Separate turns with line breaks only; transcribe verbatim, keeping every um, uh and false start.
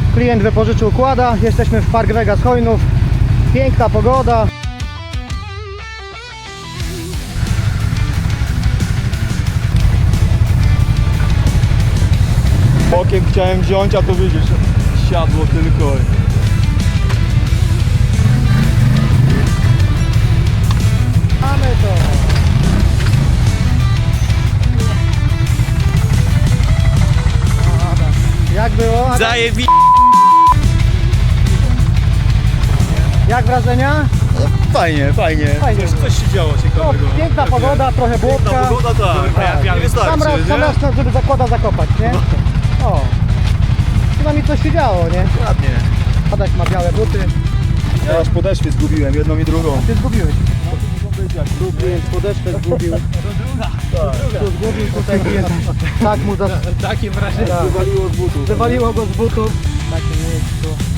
Klient wypożyczył kłada. Jesteśmy w Park Vegas Hojnów. Piękna pogoda.
Bokiem chciałem wziąć, a to widzisz, siadło tylko.
Mamy to. Jak było?
Zajebi...
Jak wrażenia?
Fajnie, fajnie.
Fajnie.
Coś, coś się działo
No,
ciekawego.
piękna pogoda, trochę
Piękna
błotka.
pogoda, tak.
Tak.
Nie wystarczy,
Sam raz, sam
nie?
raz, żeby zakłada zakopać, nie? O. Przynajmniej coś się działo, nie?
Ładnie.
Adaś ma białe buty.
Ja aż podeszwy zgubiłem, jedną i drugą.
Ty zgubiłeś.
Tu
Klient podeszwę zgubił.
Tak.
Tu zgubił, tutaj klient. Tak mu za...
Takie wrażenie.
Tak.
Wywaliło z butów.
Wywaliło go z butów. W takim miejscu.